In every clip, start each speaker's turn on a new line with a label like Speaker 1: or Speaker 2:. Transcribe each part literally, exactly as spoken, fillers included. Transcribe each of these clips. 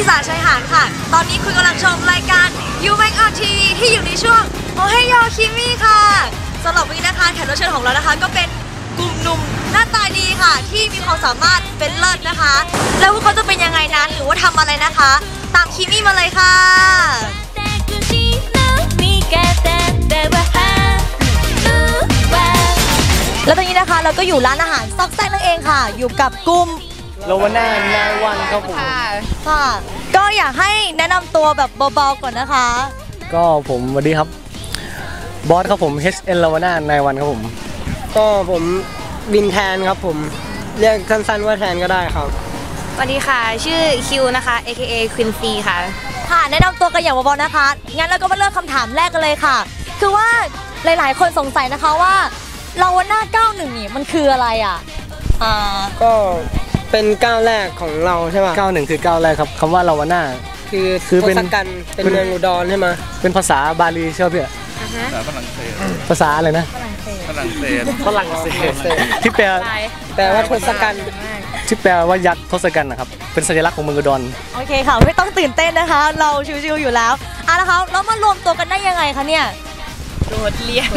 Speaker 1: สาชายหาดค่ะตอนนี้คุณกำลังชมรายการ You Make Up ที วี ที่อยู่ในช่วงโอเฮโยคิมิค่ะสำหรับวันนี้นะคะแขกรับเชิญของเรานะคะก็เป็นกลุ่มหนุ่มหน้าตาดีค่ะที่มีความสามารถเป็นเลิศนะคะแล้วพวกเขาจะเป็นยังไงนั้นหรือว่าทำอะไรนะคะตามคิมิมาเลยค่ะแล้วตอนนี้นะคะเราก็อยู่ร้านอาหารซอกแซกนั่นเองค่ะอยู่กับกลุ่ม
Speaker 2: โลวาน่านายวันครับผม
Speaker 1: ค่ะก็อยากให้แนะนำตัวแบบเบาๆก่อนนะคะ
Speaker 2: ก็ผมสวัสดีครับบอสครับผม เอช เอ็น โลวาน่านายวันครับผม
Speaker 3: ก็ผมบินแทนครับผมเรียกสั้นๆว่าแทนก็ได้ครับ
Speaker 4: สวัสดีค่ะชื่อคิวนะคะ เอ เค เอ Quincy ค่ะ
Speaker 1: ค่ะแนะนำตัวกันอย่างเบาๆนะคะงั้นเราก็มาเริ่มคำถามแรกกันเลยค่ะคือว่าหลายๆคนสงสัยนะคะว่าโลวาน่าเก้าสิบเอ็ดนี่มันคืออะไรอ่ะอ่า
Speaker 3: ก็เป็นก้าวแรกของเราใช่ไหม
Speaker 2: เก้าสิบเอ็ดคือก้าวแรกครับคำว่าโลวาน่า
Speaker 3: คือคือเป็นกันเป็นเมืองอุดรใช่ไหม
Speaker 2: เป็นภาษาบาลีใช่ไหมพี่
Speaker 5: ฝรั่งเศส
Speaker 2: ภาษาอะไรนะ
Speaker 5: ฝรั่งเศส
Speaker 2: ฝรั่งเศสที่แปล
Speaker 3: แปลว่าทศกัณฐ์
Speaker 2: ที่แปลว่ายักษ์ทศกัณฐ์นะครับเป็นสัญลักษณ์ของเมืองอุดร
Speaker 1: โอเคค่ะไม่ต้องตื่นเต้นนะคะเราชิวๆอยู่แล้วอ่ะนะคะแล้วมารวมตัวกันได้ยังไงคะเนี่ย
Speaker 4: โดดเรียน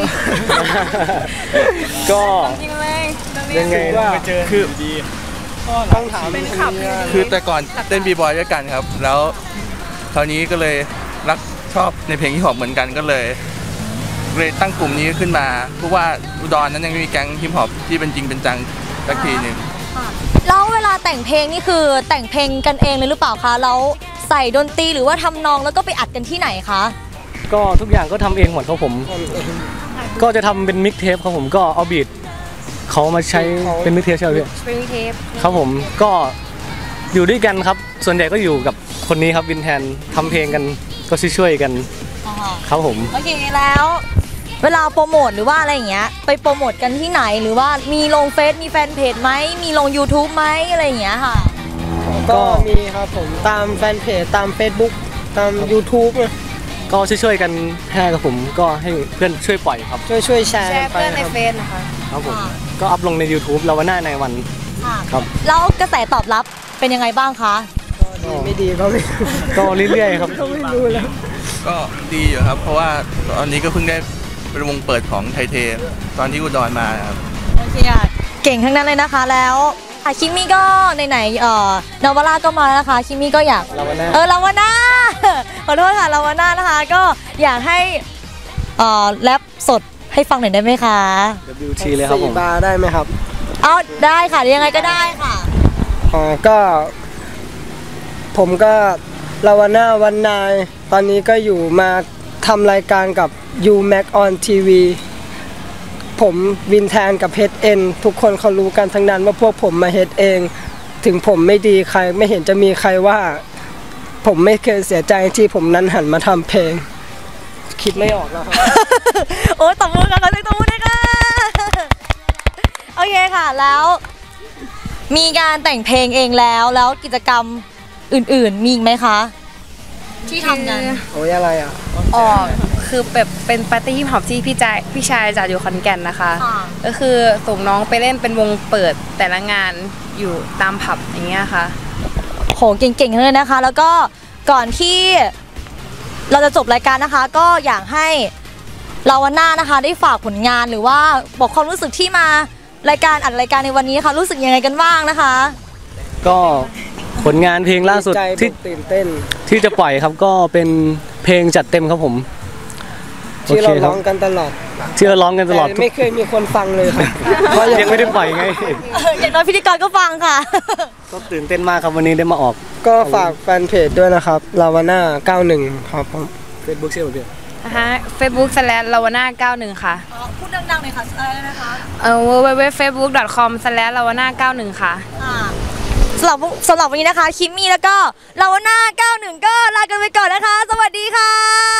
Speaker 2: ก็
Speaker 4: จริงเลย
Speaker 2: ยังไงไปเจอ
Speaker 5: คือ
Speaker 3: ต้องถาม
Speaker 4: เป็นขับ
Speaker 5: คือแต่ก่อนเต้นบีบอยด้วยกันครับแล้วคราวนี้ก็เลยรักชอบในเพลงฮิปฮอปเหมือนกันก็เลยเลยตั้งกลุ่มนี้ขึ้นมาเพราะว่าอุดรนั้นยังไม่มีแก๊งฮิปฮอปที่เป็นจริงเป็นจังสักทีหนึ่ง
Speaker 1: แล้วเวลาแต่งเพลงนี่คือแต่งเพลงกันเองเลยหรือเปล่าคะแล้วใส่ดนตรีหรือว่าทำนองแล้วก็ไปอัดกันที่ไหนคะ
Speaker 2: ก็ทุกอย่างก็ทำเองหมดครับผมก็จะทำเป็นมิกเทปครับผมก็เอาบีทเขามาใช้เป็นมิกเทปใช่ไหมพี่
Speaker 4: เป็นมิกเทป
Speaker 2: ครับผมก็อยู่ด้วยกันครับส่วนใหญ่ก็อยู่กับคนนี้ครับวินแทนทำเพลงกันก็ช่วยๆกันครับผม
Speaker 1: โอเคแล้วเวลาโปรโมทหรือว่าอะไรอย่างเงี้ยไปโปรโมทกันที่ไหนหรือว่ามีลงเฟซมีแฟนเพจไหมมีลง ยูทูบ ไหมอะไรอย่างเงี้ยค่ะ
Speaker 3: ก็มีครับผมตามแฟนเพจตาม เฟซบุ๊ก ตาม ยูทูบ
Speaker 2: ก็ช่วยๆกันให้กับผมก็ให้เพื่อนช่วยปล่อยครับ
Speaker 3: ช่วยช่วยแชร์
Speaker 4: เพื่อนในเฟซนะคะ
Speaker 2: ครับผมก็อัพลงใน ยูทูบ โลวาน่านายวันครับ
Speaker 1: แล้วกระแสตอบรับเป็นยังไงบ้างคะ
Speaker 3: ดีไม่ดีก็ไม่
Speaker 2: ก็เรื่อยๆครับ
Speaker 3: ก็ไม่รู้แล้ว
Speaker 5: ก็ดีอยู่ครับเพราะว่าตอนนี้ก็เพิ่งได้เป็นวงเปิดของไทเทตอนที่อุดรมาครับ
Speaker 1: โอเคอ่ะเก่งทั้งนั้นเลยนะคะแล้วคิมิก็ไหนๆเอ่อนาวาร่าก็มาแล้วนะคะคิมิก็อยากเออลาวาน่าขอโทษค่ะลาวาน่านะคะก็อยากให้เอ่อแรปสดให้ฟังหน่อยได้ไหมคะ
Speaker 2: ดับเบิลยู ที เลยครับผม
Speaker 3: บาร์ได้ไหมครับ
Speaker 1: เอาได้ค่ะยังไงก็ได้ค่ะ
Speaker 3: อ๋อก็ผมก็ลาวาน่าวันนายตอนนี้ก็อยู่มาทำรายการกับ You Make On ที วี ผมวินแทนกับ เอช เอ็น ทุกคนเขารู้กันทั้งนั้นว่าพวกผมมาเฮ็ดเองถึงผมไม่ดีใครไม่เห็นจะมีใครว่าผมไม่เคยเสียใจที่ผมนั้นหันมาทำเพลงคิดไม่ออกแล้วครับ
Speaker 1: โอ้ตบมือกันขอเสียงตบมือด้วยค่ะโอเคค่ะแล้วมีการแต่งเพลงเองแล้วแล้วกิจกรรมอื่นๆมีอีกไหมคะที่ทำกัน
Speaker 3: โอ้ยอะไรอ่ะ
Speaker 4: อ๋อคือแบบเป็นปาร์ตี้ฮิปฮอปที่พี่ชายพี่ชายจัดอยู่ขอนแก่นนะคะก็คือส่งน้องไปเล่นเป็นวงเปิดแต่ละงานอยู่ตามผับอย่างเงี้ยค่ะ
Speaker 1: โหเก่งๆเลยนะคะแล้วก็ก่อนที่เราจะจบรายการนะคะก็อยากให้ลาวาน่านะคะได้ฝากผลงานหรือว่าบอกความรู้สึกที่มารายการอัดรายการในวันนี้ค่ะรู้สึกยังไงกันบ้างนะคะ
Speaker 2: ก็ผลงานเพลงล่าสุดที่
Speaker 3: ตื่นเต้น
Speaker 2: ที่จะปล่อยครับก็เป็นเพลงจัดเต็มครับผม
Speaker 3: ที่เราร้องกันตลอด
Speaker 2: ที่เราร้องกันตลอด
Speaker 3: ไม่เคยมีคนฟังเลยครับ
Speaker 2: เพราะยังไม่ได้ปล่อยไง
Speaker 1: อย่างน้อยพิธีกรก็ฟังค่ะ
Speaker 2: ก็ตื่นเต้นมากครับวันนี้ได้มาออก
Speaker 3: ก็ฝากแฟนเพจด้วยนะครับลาวาน่าเก้าสิบเอ็ดครับผม
Speaker 2: เฟซบุ๊ก ชื่ออะไร
Speaker 4: ฮะ เฟซบุ๊ก สแลช ลาวาน่าเก้าสิบเอ็ดค่ะ
Speaker 1: พูดดังๆหน่อยค่ะอะไรนะคะ
Speaker 4: เอ่อ ดับเบิลยู ดับเบิลยู ดับเบิลยู ดอท เฟซบุ๊ก ดอท คอม สแลช ลาวาน่าเก้าสิบเอ็ดค่ะ
Speaker 1: สำหรับสำหรับวันนี้นะคะคิมมี่แล้วก็ลาวาน่าเก้าสิบเอ็ดก็ลากันไปก่อนนะคะสวัสดีค่ะ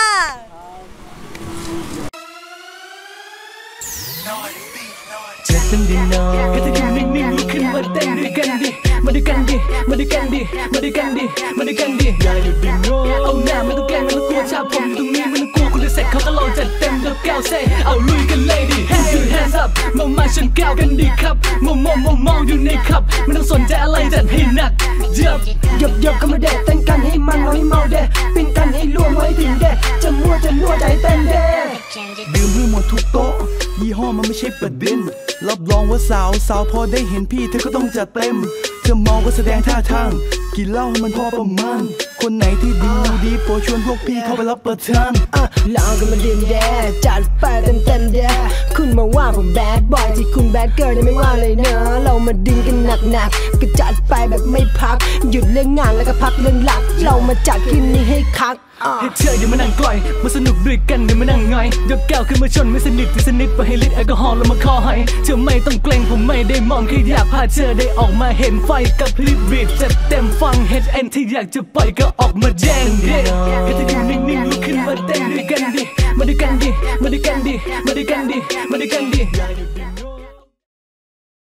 Speaker 1: เจ็บเป็นดินนอนก็จะยืนนิ่งๆลุกขึ้นมาเต้นด้วยกันดิมาด้วยกันดิมาด้วยกันดิมาด้วยกันดิมาด้วยกันดิอย่าหยุดดิ้นโง่เอาหน้าไม่ต้องแกล้งไม่ต้องกลัวชาวผมตรงนี้ไม่ต้องกลัวคุณจะเสร็จเขาก็ลองจัดเต็มเดือบแก้วเซ่เอาลุยกันเลยดิ hands up hands up มามาชนแก้วกันดิครับมองมองมองมองอยู่ในขับไม่ต้องสนใจอะไรจัดให้หนัก Yup
Speaker 3: หยบหยบก็มาเด็ดเต้นกันให้มันให้เมาเด็ดปิ้นกันให้ล่วงไว้ถึงเด็ดจะมั่วจะนัวใจเต้นเด็ด
Speaker 1: ดื่มให้หมดทุกโต๊ะยี่ห้อมันไม่ใช่ประเด็นรับรองว่าสาวสาวพอได้เห็นพี่เธอก็ต้องจัดเต็มเธอเมาก็แสดงท่าทางกินเหล้าให้มันพอประมาณคนไหนที่ดีดีโปรดชวนพวกพี่เข้าไปรับประทาน
Speaker 3: อ่ะลองกันมาดื่มแดดจัดไปเต็มเต็มแดดคุณมาว่าผมแบดบอยที่คุณแบดเกิร์ลยังไม่ว่าเลยเนอะเรามาดึงกันหนักๆก็จัดไปแบบไม่พักหยุดเรื่องงานแล้วก็พักเรื่องหลักเรามาจัดคืนนี้ให้คัก
Speaker 1: ให้เธอเดี๋ยวมานั่งกล่อยมาสนุกด้วยกันเดี๋ยวมานั่งง่อยยกแก้วขึ้นมาชนไม่สนิทที่สนิทไปให้ลิตรแอลกอฮอล์แล้วมาคอให้เธอไม่ต้องเกรงผมไม่ได้มองแค่อยากพาเธอได้ออกมาเห็นไฟกับพลิบบีดจัดเต็มฟัง เอช เอ็น ที่อยากจะปล่อยก็ออกมาแจ้งเด็กให้เธออยู่นิ่งๆลุกขึ้นมาเต้นด้วยกันดิมาด้วยกันดิมาด้วยกันดิมาด้วยกันดิมาด้วยกันดิ